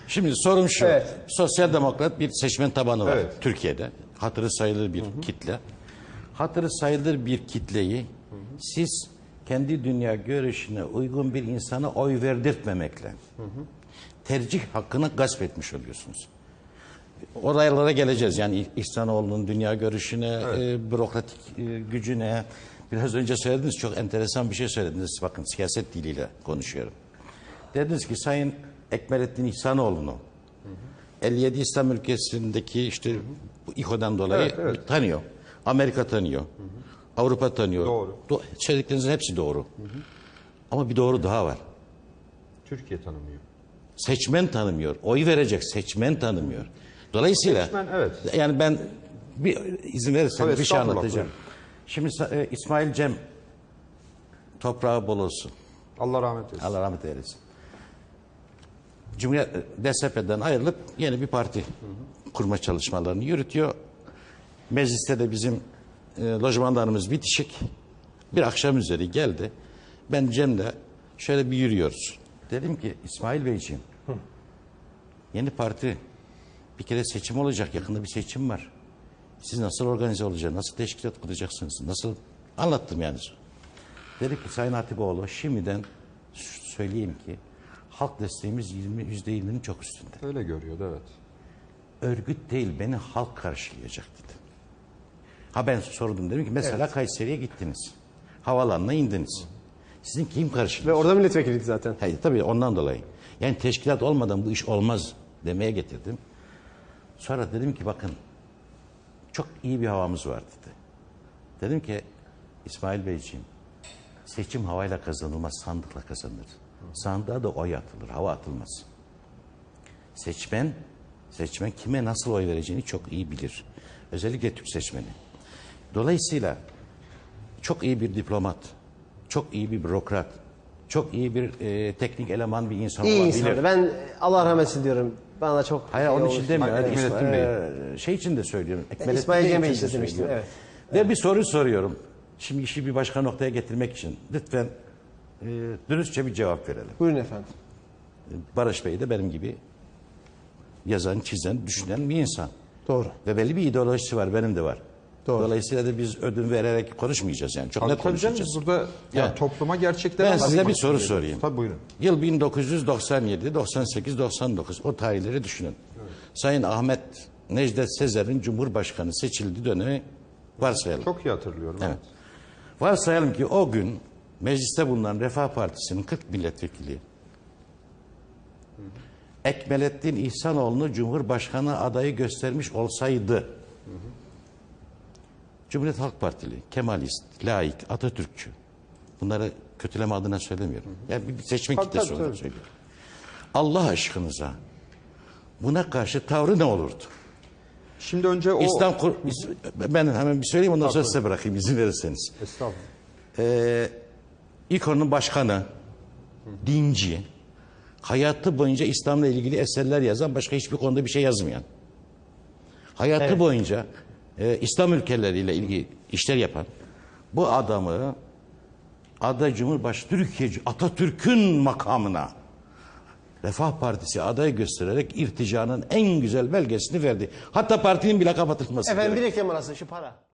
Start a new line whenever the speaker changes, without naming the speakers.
Şimdi sorum şu.
Evet.
Sosyal demokrat bir seçmen tabanı var
Evet.
Türkiye'de. Hatırı sayılır bir kitle. Hatırı sayılır bir kitleyi siz kendi dünya görüşüne uygun bir insana oy verdirtmemekle tercih hakkını gasp etmiş oluyorsunuz. Oraylara geleceğiz. Yani İhsanoğlu'nun dünya görüşüne, bürokratik gücüne. Biraz önce söylediniz, çok enteresan bir şey söylediniz. Bakın siyaset diliyle konuşuyorum. Dediniz ki Sayın Ekmelettin İhsanoğlu'nu 57 İslam ülkesindeki işte bu İHO'dan dolayı tanıyor. Amerika tanıyor. Avrupa tanıyor.
Doğru.
Söylediklerinizin hepsi doğru. Ama bir doğru daha var.
Türkiye tanımıyor.
Seçmen tanımıyor. Oy verecek seçmen tanımıyor. Dolayısıyla
Seçmen, evet.
yani ben bir izin verirseniz
Tabii,
bir şey
estağfurullah,
anlatacağım. Şimdi İsmail Cem toprağı bol olsun.
Allah rahmet eylesin.
Allah rahmet eylesin. Cumhuriyet DSP'den ayrılıp yeni bir parti kurma çalışmalarını yürütüyor. Mecliste de bizim lojmanlarımız bitişik. Bir akşam üzeri geldi. Ben Cem'le şöyle bir yürüyoruz. Dedim ki İsmail Beyciğim, yeni parti bir kere seçim olacak. Yakında bir seçim var. Siz nasıl organize olacaksınız? Nasıl teşkilat kuracaksınız? Nasıl? Anlattım yani. Dedi ki Sayın Hatipoğlu, şimdiden söyleyeyim ki halk desteğimiz %20'nin çok üstünde.
Öyle görüyordu, evet.
Örgüt değil, beni halk karşılayacak dedi. Ha ben sordum, dedim ki mesela Kayseri'ye gittiniz. Havalanına indiniz. Sizin kim karşılayacak?
Ve orada milletvekiliydi zaten.
Hayır, tabii ondan dolayı. Yani teşkilat olmadan bu iş olmaz demeye getirdim. Sonra dedim ki bakın çok iyi bir havamız var dedi. Dedim ki İsmail Beyciğim, seçim havayla kazanılmaz, sandıkla kazanılır. Sandığa da oy atılır, hava atılmaz. Seçmen kime nasıl oy vereceğini çok iyi bilir. Özellikle Türk seçmeni. Dolayısıyla çok iyi bir diplomat, çok iyi bir bürokrat, çok iyi bir teknik eleman bir insan
İyi
olabilir.
insandı. Ben Allah rahmet eylesin diyorum. Bana çok...
Hayır onun için demiyorum.
Ekmelettin Bey.
Şey için de söylüyorum. Ekmelettin
İsmail
Bey
Cem Bey
için de
için demiştim,
söylüyorum.
evet.
Ve bir soru soruyorum. Şimdi işi bir başka noktaya getirmek için. Lütfen dürüstçe bir cevap verelim.
Buyurun efendim.
Barış Bey de benim gibi yazan, çizen, düşünen bir insan.
Doğru.
Ve belli bir ideolojisi var, benim de var.
Doğru.
Dolayısıyla da biz ödün vererek konuşmayacağız yani. Çok net
Tabii canım,
konuşacağız.
burada yani
Evet.
topluma gerçekten...
Ben size bir soru sorayım.
Tabii buyurun.
Yıl 1997, 98, 99 o tarihleri düşünün. Sayın Ahmet Necdet Sezer'in Cumhurbaşkanı seçildiği dönemi varsayalım.
Çok iyi hatırlıyorum.
Evet. Varsayalım ki o gün mecliste bulunan Refah Partisi'nin 40 milletvekili Ekmelettin İhsanoğlu'nu Cumhurbaşkanı adayı göstermiş olsaydı Cumhuriyet Halk Partili, Kemalist, laik, Atatürkçü, bunları kötüleme adına söylemiyorum. Yani bir seçmen
Tabii,
kitlesi
tabii,
olarak
tabii.
söylüyorum. Allah aşkınıza buna karşı tavrı ne olurdu?
Şimdi önce o...
Ben hemen bir söyleyeyim, ondan sonra size bırakayım izin verirseniz.
Estağfurullah.
İKO'nun başkanı, dinci, hayatı boyunca İslam'la ilgili eserler yazan, başka hiçbir konuda bir şey yazmayan, hayatı boyunca İslam ülkeleriyle ilgili işler yapan bu adamı aday Cumhurbaşkanı Türkiye Atatürk'ün makamına Refah Partisi adayı göstererek irticanın en güzel belgesini verdi. Hatta partinin bile kapatılması
Efendim bir
gerek.
reklam arası şu para.